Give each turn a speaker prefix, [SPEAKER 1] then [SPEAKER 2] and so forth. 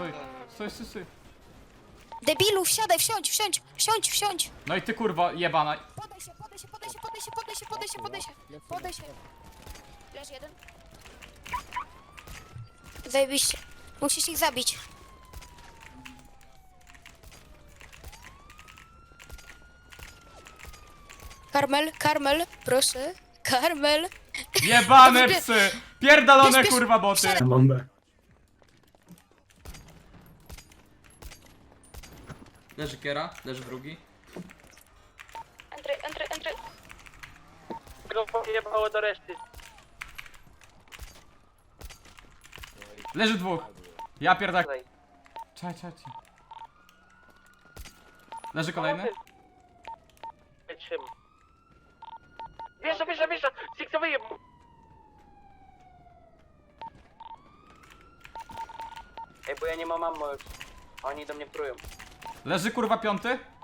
[SPEAKER 1] Stój.
[SPEAKER 2] Debilu, wsiadaj, wsiądź.
[SPEAKER 1] No i ty kurwa jebana.
[SPEAKER 2] Podaj się. Leż jeden. Zajebiście. Musisz ich zabić. Karmel, proszę. Karmel.
[SPEAKER 1] Jebane
[SPEAKER 2] Dobrze.
[SPEAKER 1] psy! Pierdolone
[SPEAKER 2] Bierz,
[SPEAKER 1] kurwa boty!
[SPEAKER 2] wsiadaj.
[SPEAKER 3] Bombę.
[SPEAKER 4] Leży Kiera, leży drugi.
[SPEAKER 2] Entry.
[SPEAKER 5] Grupo jebało do reszty.
[SPEAKER 1] Leży dwóch. Ja pierdolę. Czaj. Leży kolejny.
[SPEAKER 5] Wjeżdża! Siksowyję mu!
[SPEAKER 6] Ej, bo ja nie mam ammo już. Oni do mnie prują.
[SPEAKER 1] Leży kurwa piąty.